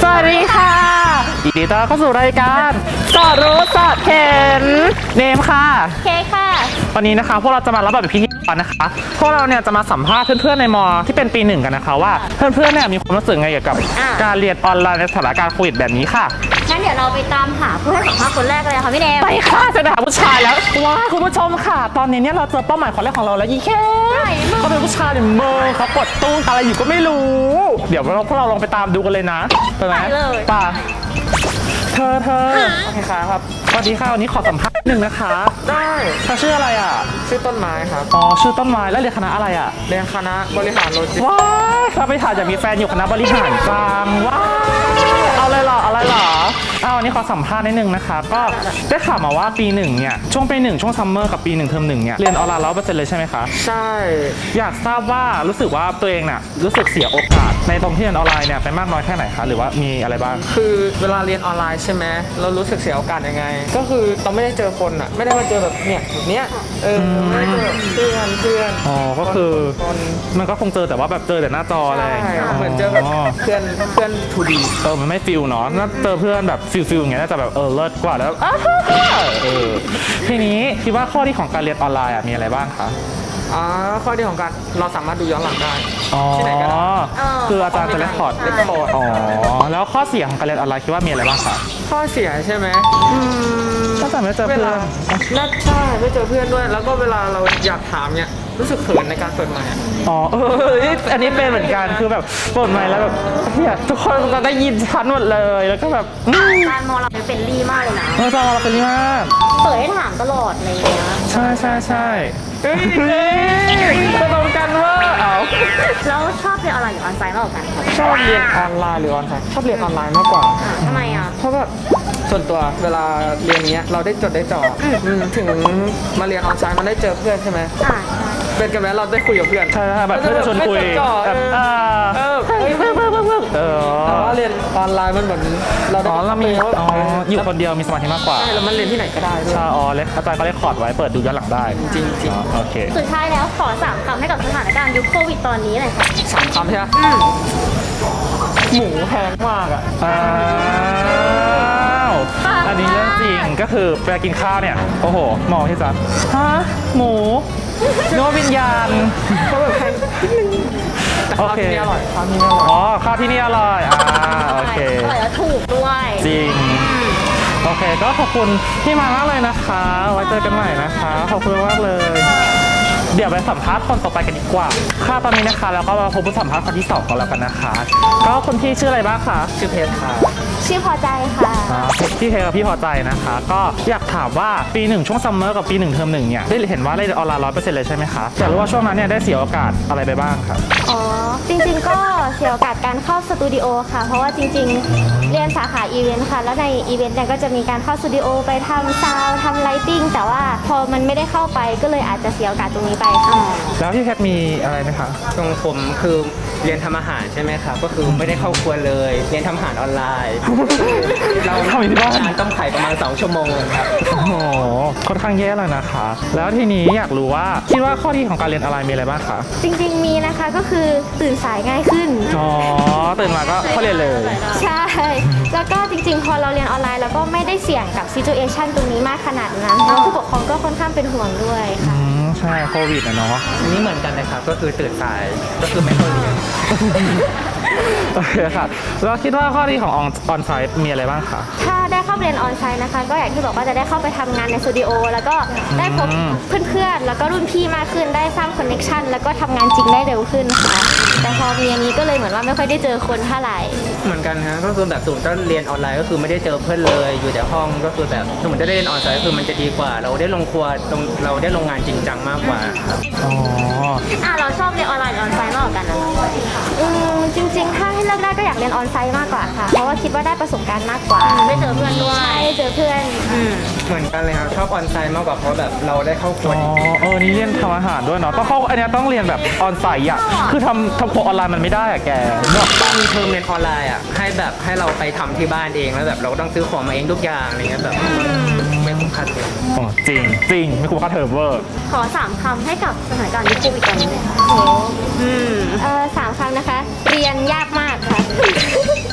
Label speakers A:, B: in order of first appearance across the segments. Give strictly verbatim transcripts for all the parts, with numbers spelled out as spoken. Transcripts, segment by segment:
A: วัสดีค่ะยินดีต้อนรับเข้าสู่รายการสอดรู้สอดเห็นเนมค่ะ
B: เคค่ะ
A: วันนี้นะคะพวกเราจะมารับแบบพิธีกรนะคะพวกเราเนี่ยจะมาสัมภาษณ์เพื่อนๆในมอที่เป็นปีหนึ่งกันนะคะว่าเพื่อนๆเนี่ยมีความรู้สึกไงเกี่ยวกับการเรียนออนไลน์ในสถานการณ์โควิดแบบนี้ค่ะ
B: งั้นเดี๋ยวเราไปตามหาผู้ให้สัมภาษณ์คนแรกเลยค่ะพี่เนม
A: ไปค่ะจะหาผู้ชายแล้วว้าคุณผู้ชมค่ะตอนนี้เนี่ยเราเจอเป้าหมายคนแรกของเราแล้วยี่แค่เขาเป็นผู้ชายเนี่ยเมอร์เขาปลดตู้อะไรอยู่ก็ไม่รู้เดี๋ยวเราพวกเราลองไปตามดูกันเลยนะไปไหมป่ะเธอเธอโอเคครับสวัสดีค่ะวันนี้ขอสัมภาษณ์หนึ่งนะคะ
C: ได้
A: เธอชื่ออะไรอ่ะ
C: ชื่อต้นไม้ครับ
A: อ๋อชื่อต้นไม้แล้วเรียนคณะอะไรอ่ะ
C: เรียนคณะบริหารโลจิสติกส์
A: ว้าวเราไปถ่ายจะมีแฟนอยู่คณะบริหารกลางว้าวเอาเลยเหรออะไรเหรอเอาวันนี้ขอสัมภาษณ์นิดนึงนะคะก็ได้ข่าวมาว่าปีหนึ่งเนี่ยช่วงปีหนึ่งช่วงซัมเมอร์กับปีหนึ่งเทอมหนึ่งเนี่ยเรียนออนไลน์ร้อยเปอร์เซ็นต์เลยใช่ไหมคะ
C: ใช่
A: อยากทราบว่ารู้สึกว่าตัวเองน่ะรู้สึกเสียโอกาสในตรงที่เรียนออนไลน์เนี่ยไปมากน้อยแค่ไหนคะหรือว่ามีอะไรบ้าง
C: คือเวลาเรียนออนไลน์ใช่ไหมเรารู้สึกเสียโอกาสยังไงก็คือเราไม่ได้เจอคนอ่ะไม่ได้มาเจอแบบเนี่ยแบบเนี้ยเออไม่ได้เจอเพื่อนเพื่อน
A: อ๋อก็คือมันก็คงเจอแต่ว่าแบบเจอแต่หน้าจออะไร
C: เหมือนเจอแบบเพื่อนเพื่อนทูดี
A: เออมันไม่ฟิลเนาะน่าเจอเพื่อนแบบฟิลฟิลอย่างเงี้ยน่าจะแบบเออเลิศกว่าแล้วเออทีนี้คิดว่าข้อดีของการเรียนออนไลน์มีอะไรบ้างคะ
C: อ๋อข้อดีของการเราสามารถดูย้อนหลังได้
A: ที่ไหนก็ได้คืออาจารย์จะเรคคอร์ด
C: เรคคอร์ด
A: อ๋อแล้วข้อเสียของการเรียนออนไลน์คิดว่ามีอะไรบ้างคะ
C: ข้อเสียใช่ไหม
A: ก็จะไม่เจอเพื่อน
C: น่าใช่ไม่เจอเพื่อนด้วยแล้วก็เวลาเราอยากถามเนี่ยรู้สึกเขินในการเปิดไมค์
A: อ๋อเอออันนี้เป็นเหมือนกันคือแบบเปิดไมค์แล้วแบบเนี่ยทุกคนก็ได้ยินชัดหมดเลยแล้วก็แบบ
B: การมองเราเป็นลี่มากเลยนะ
A: เออจอเราเป็นลี่มาก
B: เปิดให้ถามตลอดอะไรอย่างเงี้ย
A: ใช่ใช่ใช่เฮ้ยก็ตรงกันว่าเอา
B: แล้วชอบเรียนออนไลน์หรือออนไลน์มากกว่ากัน
C: ชอบเรียนออนไลน์หรือออนไลน์ชอบเรียนออนไลน์มากกว่า
B: ทำไมอ่ะ
C: เพราะแบบส่วนตัวเวลาเรียนเนี้ยเราได้จดได้จ่อถึงมาเรียนออนไลน์มันได้เจอเพื่อนใช่ไหม
B: อ่า
C: เป็นกันไหมเราได้คุยกับเพื่อน
A: ใช่แบบเพื่อนชวนคุยแบบอ่าเออเพิ่มเพิ่มเพิ่มเพิ่มเออ
C: แต่ว่าเรียนออนไลน์มันเหมือนเรา
A: อ๋อเรามีอ๋ออยู่คนเดียวมีสมาธิมากกว่า
C: ใช่แล้วมันเรียนที่ไหนก็ได้
A: ใช่อ๋อเล็กอาจารย์ก็ได้คอร์ดไว้เปิดดูย้อนหลังได้
C: จริงจริง
A: โอเค
B: สุดท้ายแล้วขอสามคำให้กับสถานการณ์ยุคโควิดตอนนี้หน่อยค่ะ
C: สามคำใช่ไหมหมูแพงมากอ่ะ
A: อ้าวอันนี้เรื่องจริงก็คือเวลากินข้าวเนี่ยโอ้โหมองที่จะฮะหมูเนื้อวิญญาณ
C: ก็แบบแพง
A: โอเค
C: ข้าวที่นี่อร่อยข้าวที่นี่อร่อย
A: อ๋อข้าวที่นี่อร่อยอ่าโอเค
B: อร่อยแล้วถูกด้วย
A: จริงโอเคก็ขอบคุณที่มามากเลยนะคะไว้เจอกันใหม่นะคะขอบคุณมากเลยเดี๋ยวไปสัมภาษณ์คนต่อไปกันดีกว่าค่ะตอนนี้นะคะแล้วก็มาพบผู้สัมภาษณ์คนที่สองกันแล้วกันนะคะก็คนที่ชื่ออะไรบ้างคะ
C: ชื่อเพชรค่ะ
B: ชื่อพอใจค่ะ
A: พี่เพชรกับพี่พอใจนะคะก็อยากถามว่าปีหนึ่งช่วงซัมเมอร์กับปีหนึ่งเทอมหนึ่งเนี่ยได้เห็นว่าได้ออนไลน์ร้อยเปอร์เซ็นต์เลยใช่ไหมคะอยากรู้ว่าช่วงนั้นเนี่ยได้เสียโอกาสอะไรไปบ้างครับ
B: อ๋อจริงๆก็เสียโอกาสการเข้าสตูดิโอค่ะเพราะว่าจริงๆเรียนสาขาอีเวนต์ค่ะแล้วในอีเวนต์เนี่ยก็จะมีการเข้าสตูดิโอไปทำซาวด์ทำไลติ้งแต่ว่าพอมันไม่ได้เข้าไปก็เลยอาจจะเสียโอกาสตรงนี้ไปค่ะ
A: แล้วพี่เพชรมีอะไรไหมคะ
C: ตรงผมคือเรียนทำอาหารใช่ไหมครับก็คือไม่ได้เข้าครัวเลยเรียนทำอาหารออนไลน์เรา
A: ทำที่บ้าน
C: ต้มไข่ประมาณสองชั่วโมงครับ
A: โอ้โหค่อนข้างแย่เลยนะคะแล้วทีนี้อยากรู้ว่าคิดว่าข้อดีของการเรียนออนไลน์มีอะไรบ้างคะ
B: จริงๆมีนะคะก็คือตื่นสายง่ายขึ้น
A: อ๋อตื่นมาก็เข้าเรียนเลย
B: ใช่แล้วก็จริงๆพอเราเรียนออนไลน์แล้วก็ไม่ได้เสี่ยงกับซิจูเอชันตรงนี้มากขนาดนั้นแล้วผู้ปกครองก็ค่อนข้างเป็นห่วงด้วยค่ะ
A: ใช่โควิดนะเนาะ
C: อันนี้เหมือนกันนะครับก็คือตื่นสายก็คือไม่เข้าเรียน
A: โอเคค่ะแล้วคิดว่าข้อดีของออนไซต์มีอะไรบ้างคะ
B: ถ้าได้เข้าเรียนออนไซต์นะคะก็อย่างที่บอกว่าจะได้เข้าไปทำงานในสตูดิโอแล้วก็ได้พบเพื่อนๆแล้วก็รุ่นพี่มากขึ้นได้สร้างคอนเนคชันแล้วก็ทำงานจริงได้เร็วขึ้นค่ะแต่พอมีอันนี้ก็เลยเหมือนว่าไม่ค่อยได้เจอคนเท่าไหร่
C: เหมือนกันฮะก็คือแบบสมมติถ้าเรียนออนไลน์ก็คือไม่ได้เจอเพื่อนเลยอยู่แต่ห้องก็คือแบบสมมติถ้าได้เรียนออนไซต์ก็คือมันจะดีกว่าเราได้ลงครัวเราได้ลงงานจริงจังมากกว่าครับ
A: อ๋อ
B: อ่ะเราชอบเรียนออนไลน์หรือออนไซต์มากกว่ากันนะอืมจริงๆถ้าให้เลือกได้ก็อยากเรียนออนไซต์มากกว่าค่ะเพราะว่าคิดว่าได้ประสบการณ์มากกว่าได้เจอเพื่อนด้วยได้เจอเพื่อน
C: เหมือนกันเลยครับชอบออนไซต์มากกว่าเพราะแบบเราได้เข้าครัว
A: อ๋อเออนี่เรียนทำอาหารด้วยเนาะต้องเข้าอันนี้ต้องเรียนแบบออนไซต์อ่ะคือทำทำครัวออนไลน์มันไม่ได้อะแก
C: แบบบางเทอมเรียนออนไลน์อ่ะให้แบบให้เราไปทำที่บ้านเองแล้วแบบเราต้องซื้อของมาเองทุกอย่างอะไรเงี้ยแบบไม่คุ้มค่าเทอม
A: อ๋อจริงจริงไม่คุ้มค่าเทอมเวอร์
B: ขอสามคำให้กับสถานการณ์ยุคโควิดตอนนี้เลยค่ะโอ้อืมเออสามคำนะคะเรียนยากมากค่ะ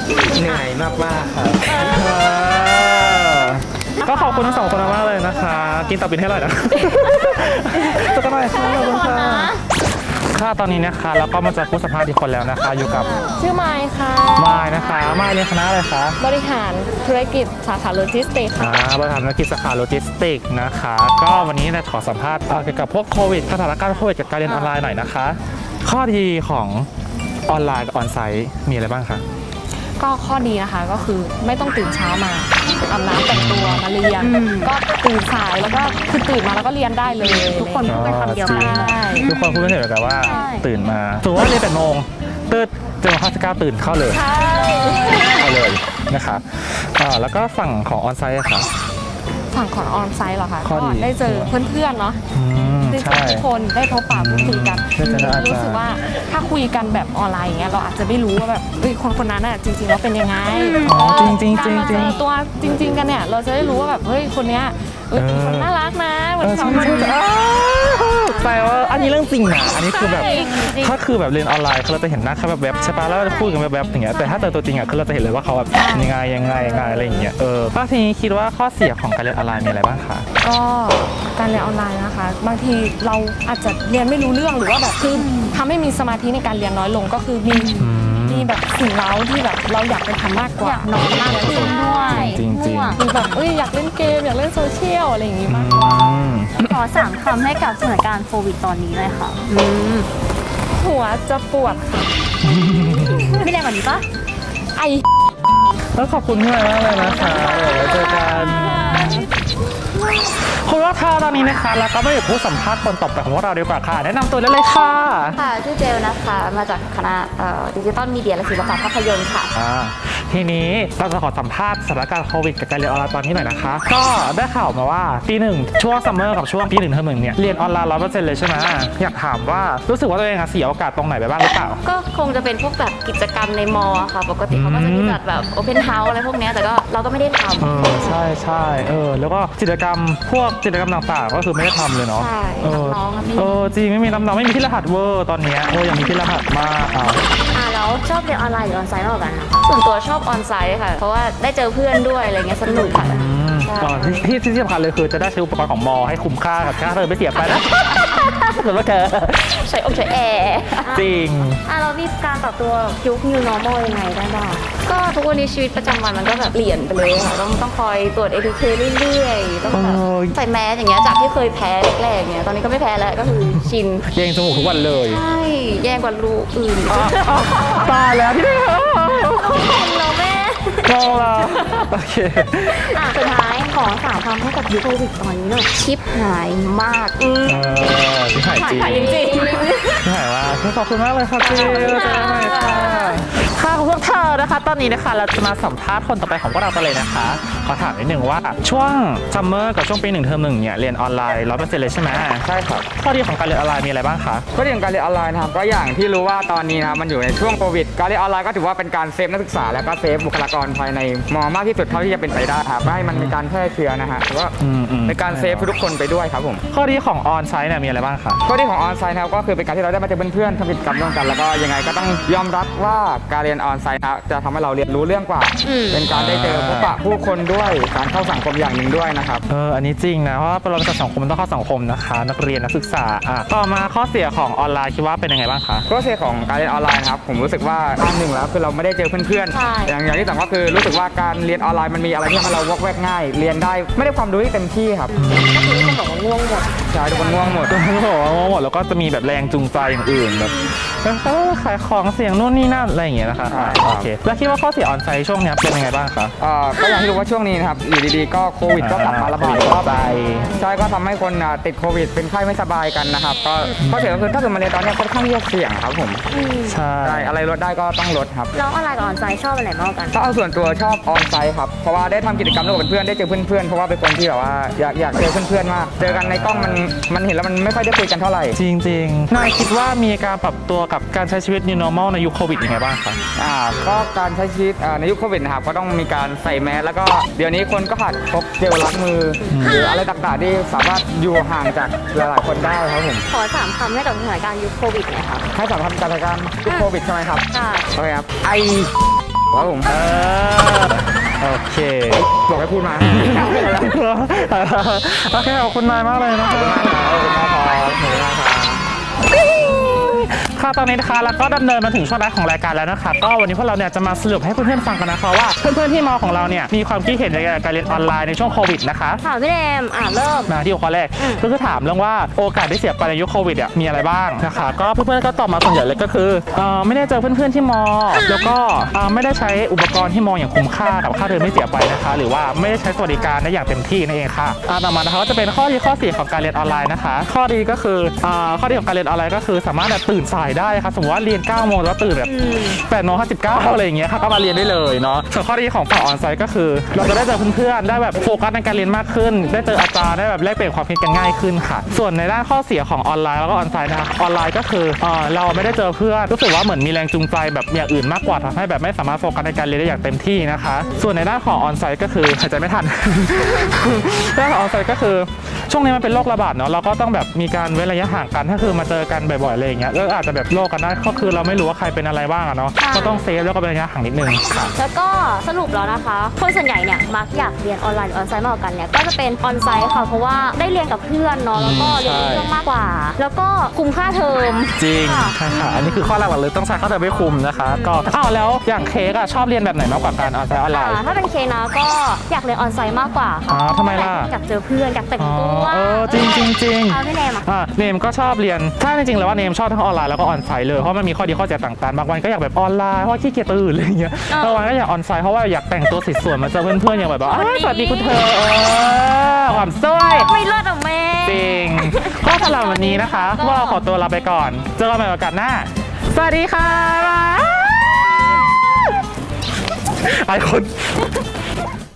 C: เหนื่อยมากๆครับ
A: ก็ขอบคุณทั้งสองคนมากเลยนะคะ กินตับบินให้อร่อยนะเจอกันใหม่ค่ะขอบคุณค่ะค่ะตอนนี้นะคะแล้วก็มาเจอผู้สัมภาษณ์อีกคนแล้วนะคะ อยู่กับ
D: ชื่อไมค์ค่ะ
A: มายนะคะมายเรียนคณะอะไรคะ
D: บริหารธุรกิจสาขาโลจิสติกส์ค่ะ
A: อ่าบริหารธุรกิจสาขาโลจิสติกส์นะคะ ก็วันนี้เราขอสัมภาษณ์เอ่อเกี่ยวกับพวกโควิดสถานการณ์โควิดกับการเรียนออนไลน์หน่อยนะคะ ข้อดีของออนไลน์กับออนไซต์มีอะไรบ้างคะ
D: ก็ข้อดีนะคะก็คือไม่ต้องตื่นเช้ามาอาบน้ำแต่งตัวมาเรียน ก็ตื่นสายแล้วก็คือตื่นมาแล้วก็เรียนได้เลย
B: ทุกคนพูดเป็นคำเดียวกัน
D: ใช่
A: ทุกคนพูดเป็นเสียงเดียวกันว่า
D: ใช่
A: ตื่นมาสมมติว่าเรียนแปดโมงตื่นเจอข้าสิบเก้าตื่นเข้าเลย
D: ใช่
A: เข้าเลยนะคะอ่าแล้วก็ฝั่งของออนไซต์อะค่ะ
D: ฝั่งของออนไซต์เหรอคะ
A: ข้อ
D: ก็
A: ดี
D: ได้เจอเพื่อนๆเนาะ
A: อืม
D: ได้เจ
A: ใช่
D: อทุกคนได้พบปะพูดคุยกัน
A: ได้เจออาจารย์
D: รู้สึกว่าถ้าคุยกันแบบออนไลน์อย่างเงี้ยเราอาจจะไม่รู้ว่าแบบเอ้ยคนคนนั้นน่ะจริงๆแล้วเป็นยังไง
A: อ๋อจริงๆจริงจริง
D: การมาเจอตัวจริง ๆกันเนี่ยเราจะได้รู้ว่าแบบเฮ้ยคนเนี้ยเอ้ยเป็นคนน่ารักนะเหมื
A: เอ
D: อน
A: อ
D: สอ
A: ใช่
D: งคน
A: ใช่ใช่อ้าวแต่ว่าอันนี้เรื่องจริงนะอันนี้คือแบบ
D: ใช่จริง
A: ถ้าคือแบบเรียนออนไลน์เราจะเห็นหน้าแค่แบบแบบๆใช่ปะแล้วเราจะพูดกันแบบแบบๆอย่างเงี้ยแต่ถ้าเจอตัวจริงอ่ะคือเราจะเห็นเลยว่าเขาแบบยังไงยังไงยังไงอะไรอย่างเงี้ยเออก็ทีนี้คิดว่าข้อเสียของการเรียนออนไลน์มีอะไรบ้างคะ
D: ก็การเรียนออนไลน์นะคะ บางทีเราอาจจะเรียนไม่รู้เรื่องหรือว่าแบบคือทำให้มีสมาธิในการเรียนน้อยลงก็คือมีมีแบบสิ่งเร้าที่แบบเราอยากไปทำมากกว่า
B: อยากนอนมากขึ้นด้วย
A: จริงจริง
D: หรือแบบเอ้ยอยากเล่นเกมอยากเล่นโซเชียลอะไรอย่างงี้มากกว่า
A: อืม
B: ขอสามคำให้กับสถานการณ์โควิดตอนนี้เลยค่ะ
D: หัวจะปวดค่ะ
B: ไม่แรงกว่านี้ปะ
D: ไอ
A: แล้วขอบคุณพี่มากเลยนะคะเดี๋ยวไว้เจอกันคุณว่าค่ะตอนนี้นะคะแล้วก็ไม่ได้ผู้สัมภาษณ์คนต่อไปของพวกเราดีกว่าค่ะแนะนำตัวได้เลยค่ะ
B: ค่ะชื่อเจลนะคะ มาจากคณะดิจิตอลมีเดียและศิลปะภาพยนตร์ค่ะ
A: อ่าทีนี้เราจะขอสัมภาษณ์สถานการณ์โควิดกับการเรียนออนไลน์ตอนนี้หน่อยนะคะ ก็ได้ข่าวมาว่าปีหนึ่งช่วงซัมเมอร์กับช่วงปีหนึ่งเทอมหนึ่งเนี่ยเรียนออนไลน์ร้อยเปอร์เซ็นต์เลยใช่ไหมอยากถามว่ารู้สึกว่าตัวเองอะเสียโอกาสตรงไหนไปบ้างหรือเปล่า
B: ก็คงจะเป็นพวกแบบกิจกรรมในมอค่ะ ปกติเขาก็จะมีจัดแบบโอเพนเฮาส์อะไรพวกเนี้ยแต่ก็เราก็ไม่ได้ท
A: เออใช่ใช่เออแล้วก็กิจกรรมพวกกิจกรรมต่างๆ ก็คือไม่ได้ทำเลยเนาะ
B: ใช่
A: เออ
B: น้องๆอะไม่
A: เออจริงไม่มีน้ำน้องไม่มีที่รหัสเวอร์ตอนเนี้ยเออยังมีที่รหัสมากอ่ะ
B: ำอ่าแล้วชอบเรียนออนไลน์หรือออนไซต์มากกว่ากันคะส่วนตัวชอบออนไซต์ค่ะ เพราะว่าได้เจอเพื่อนด้วยอะไรเงี้ยสนุกค่ะ
A: อืม
B: ใช่
A: ก่อนที่ที่ที่สำคัญเลยคือจะได้ใช้อุปกรณ์ของมอให้คุ้มค่ากับค่าเธอไม่เสียไปนะเหมือนว่าแก
B: ใช้อกใช้แอร์
A: จริง
B: อ่ะเรามีการปรับตัวยุค new normal ยังไงได้บ้างก็ทุกวันนี้ชีวิตประจำวันมันก็แบบเปลี่ยนไปเลยค่ะต้องต้องคอยตรวจ เอ ที เค เรื่อยๆต้องแบบ
A: เออ
B: ใส่แมสอย่างเงี้ยจากที่เคยแพ้แรกๆเนี่ยตอนนี้ก็ไม่แพ้แล้วก็คือชิน
A: เย่งจมูกทุกวันเลย
B: ใช่แย่กว่ารูอื่น
A: อ่ะอ่ะตายแล้วที่ได้เหรอ
B: เราแม่
A: ลองละโอเค
B: อ่ะสุดท้ายขอสามคำให้กับยุคโควิดตอนนี้หน่อยชิปหายมากอืม
A: เออที่หายจริง
B: หายจริง
A: ที่หายว่าขอบคุณมากเลยค่ะเจ๊เจอกันใหม่ค่ะค่ะของพวกเธอนะคะ ตอนนี้นะคะเราจะมาสัมภาษณ์คนต่อไปของพวกเรากันเลยนะคะ ขอถามนิดนึงว่าช่วงซัมเมอร์กับช่วงปีหนึ่งเทอมหนึ่งเนี่ยเรียนออนไลน์ร้อยเปอร์เซ็นต์เลยใช่ไหม
E: ใช่ครับ
A: ข้อดีของการเรียนออนไลน์มีอะไรบ้างคะ
E: ก็เรื่องการเรียนออนไลน์นะครับก็อย่างที่รู้ว่าตอนนี้นะครับมันอยู่ในช่วงโควิดการเรียนออนไลน์ก็ถือว่าเป็นการเซฟนักศึกษาและก็เซฟบุคลากรภายในมอมากที่สุดเท่าที่จะเป็นไปได้ครับไม่ให้มันมีการแพร่เชื้อนะฮะแล้วก็
A: อืมอืม
E: ในการเซฟทุกคนไปด้วยครับผม
A: ข้อดีของออนไซต์เนี่ยมีอะไรบ้างคะ
E: ข้อดีของออนไซต์นะครับก็คือเป็นการที่เราได้มาเจอเพื่อนๆทำกิจกรรมร่วมกัน แล้วก็ยังไงก็ต้องยอมรับว่าการเรียนออนไซต์นะครับจะทำให้เราเรียนรู้เรื่องกว่า เป็นการได้เจอพบปะผู้คนด้วยการเข้าสังคมอย่างหนึ่งด้วยนะครับ
A: เอออันนี้จริงนะเพราะว่าเราเป็นสังคมมันต้องเข้าสังคมนะคะ นักเรียนนักศึกษาอ่ะต่อมาข้อเสียของออนไลน์คิดว่าเป็นยังไงบ้างคะ
E: ข้อเสียของการเรียนออนไลน์นะครับผมรู้สึกว่าอันหนึ่งแล้วคือเราไม่ได้เจอเพื่อน
B: ใช่
E: ๆอย่างอย่างที่สองก็คือรู้สึกว่าการเรียนออนไลน์มันมีอะไรที่ทำให้เราวอกแวกง่าย เรียนได้ไม่ได้ความรู้ที่เต็มที่ครับ
B: ก็คือคนบอกว่าง่วงหมด
E: ใช่ทุกคนง่วงหมด
A: ก็บอกว่าหมดแล้วก็จะมีแบบแรงจูงใจอย่างอื่นแบบเออขายของเสียงนู่นนี่นั่นอะไรอย่างเงี้ยนะคะอ่ะโอเคแล้วคิดว่าข้อเสียออนไซต์ช่วงเนี้ยเป็นยังไงบ้างคะ
E: เอ่อก็อย่างที่รู้ว่าช่วงนี้นะครับอยู่ดีๆก็โควิดก็กลับมาระบาด
A: อ่า
E: รอบใใช่ก็ทำให้คนอ่ะติดโควิดเป็นไข้ไม่สบายกันนะครับก็ข้อเสียก็คือถ้าเกิดมาเรียนตอนเนี้ยค่อนข้างที่จะเสี่ยงครับผม
A: ใช่
E: ใช่อะไรลดได้ก็ต้องลดครับ
B: แล้วออนไลน์กับออนไซต์ชอบอะไรมากกว่ากัน
E: ถ้าเอาส่วนตัวชอบออนไซต์ครับเพราะว่าได้ทำกิจกรรมร่วมกับเพื่อนได้เจอเพื่อนๆเพราะว่าเป็นคนที่แบบว่าอยากอยากเจอเพื่อนๆมากเจอกันในกล้องมันมันเห็นแล้วมันไม่ค่อยได้คุยกันเท่าไหร่
A: จริงๆนายคิดว่ามีการปรับตัวกับการใช้ชีวิต new normal ในยุคโควิดยังไงบ้างคะ
E: อ่าก็การใช้ชีวิตอ่าในยุคโควิดนะครับก็ต้องมีการใส่แมสแล้วก็เดี๋ยวนี้คนก็หัดพกเจลล้างมืออหรืออะไรต่างๆที่สามารถอยู่ห่างจากหลายๆคนได้ครับผม
B: ขอสามคำให้กับสถานการณ์ยุคโควิดหน่อยค่ะ
E: ให้สำหรับการจัดการยุคโควิดใช่ไหมครับ
B: ค่ะ
E: โอเคครับไอครับผม
A: เออโอเค
E: บอกให้พูดมา
A: โอเคขอบคุณนายมากเลยนะครับ
E: ขอบคุณมากครับขอบคุณมากครับขอบคุณมากครับ
A: ค่ะตอนนี้นะคะเราก็ดำเนินมาถึงช่วงท้ายของรายการแล้วนะคะก็วันนี้พวกเราเนี่ยจะมาสรุปให้เพื่อนๆฟังกันนะคะว่าเพื่อนๆที่มอของเราเนี่ยมีความคิดเห็นในการเรียนออนไลน์ในช่วงโควิดนะคะ
B: ค่ะพี่เนมอ่าเริ่ม
A: มาที่หัวข้อแรกก็คือถามเรื่องว่าโอกาสได้เสียไปในยุคโควิดอ่ะมีอะไรบ้างนะคะก็เพื่อนๆก็ตอบมาส่วนใหญ่เลยก็คือเอ่อไม่ได้เจอเพื่อนๆที่มอแล้วก็เอ่อไม่ได้ใช้อุปกรณ์ที่มออย่างคุ้มค่ากับค่าเทอมไม่เสียไปนะคะหรือว่าไม่ได้ใช้สวัสดิการได้อย่างเต็มที่นั่นเองค่ะอ่าต่อมานะคะก็จะเป็นข้อดีข้อเสียของการเรียนออนไลน์นะคะข้อดีก็คืออ่าข้อดีของการเรียนออนไลน์ก็คือสามารถแบบตื่นสายได้ค่ะสมมติว่าเรียนเก้าโมงแล้วตื่นแบบแปดโมงห้าสิบเก้าอะไรอย่างเงี้ยค่ะก็มาเรียนได้เลยเนาะส่วนข้อดีของฝั่งออนไซต์ก็คือเราจะได้เจอเพื่อนๆได้แบบโฟกัสในการเรียนมากขึ้นได้เจออาจารย์ได้แบบแลกเปลี่ยนความคิดกันง่ายขึ้นค่ะส่วนในด้านข้อเสียของออนไลน์แล้วก็ออนไซต์นะคะออนไลน์ก็คือเอ่อเราไม่ได้เจอเพื่อนรู้สึกว่าเหมือนมีแรงจูงใจแบบอย่างอื่นมากกว่าทำให้แบบไม่สามารถโฟกัสในการเรียนได้อย่างเต็มที่นะคะส่วนในด้านของออนไซต์ก็คือหายใจไม่ทัน ด้านของออนไซต์ก็คือช่วงนี้มันเป็นโรคระบาดเนาะเราก็ต้องแบบมีการเว้นระยะห่างกันถ้าคือมาเจอกันบ่อยๆอะไรอย่างเงี้ยก็อาจจะแบบโรคกันได้ก็คือเราไม่รู้ว่าใครเป็นอะไรบ้างอะเนาะก็ต้องเซฟแล้วก็เป็นระยะห่างนิดนึงค่ะ
B: แล้วก็สรุปแล้วนะคะ คนส่วนใหญ่เนี่ยมักอยากเรียนออนไลน์หรือออนไซต์มากกว่ากันเนี่ยก็จะเป็นออนไซต์ค่ะเพราะว่าได้เรียนกับเพื่อนเนาะแล้วก็เรียนรู้เรื่องมากกว่า แล้วก็คุ้มค่าเทอม
A: จริง
B: ค่ะ
A: ใช่ค่ะอันนี้คือข้อหลักๆเลยต้องใช้ข้อเดิมไม่คุมนะคะก็อ้าวแล้วอย่างเค้กอะชอบเรียนแบบไหนมากกว่ากันออนไซต์ออนไล
B: อ่า
A: น์
B: ถ้าเป็นเคนะก็อยากเรียนออนไซต์มากกว่า
A: อ๋
B: ค่ะ
A: อทำไมล่ะ
B: อยากเจอเพื่อนอยากแต่ง
A: อ๋อ
B: ตัว
A: เออจริงจริงจริง
B: เอาพี่เนมอ่ะ
A: อ่าเนมก็ชอบเรียนถ้าจริงๆแล้วว่าเนมชอบทั้งออนไลน์แล้วก็ออนไซต์เลยเพราะมันมีข้อดีข้อเสียต่างๆบางวันก็อยากแบบออนไลน์เพราะว่าขี้เกียจตื่นอะไรอย่างเงี้ยบางวันก็อยากออนไซต์เพราะว่าอยากแต่งตัวสวยๆมาเจอเพื่อนๆอย่างแบบว่าอ้าวสวัสดีคุณเธอเออความสวย
B: ไม่เลิศอ่ะแม่
A: จริงก็สำหรับวันนี้นะคะพวกเราขอตัวลาไปก่อนเจอกันใหม่โอกาสหน้าสวัสดีค่ะไอคน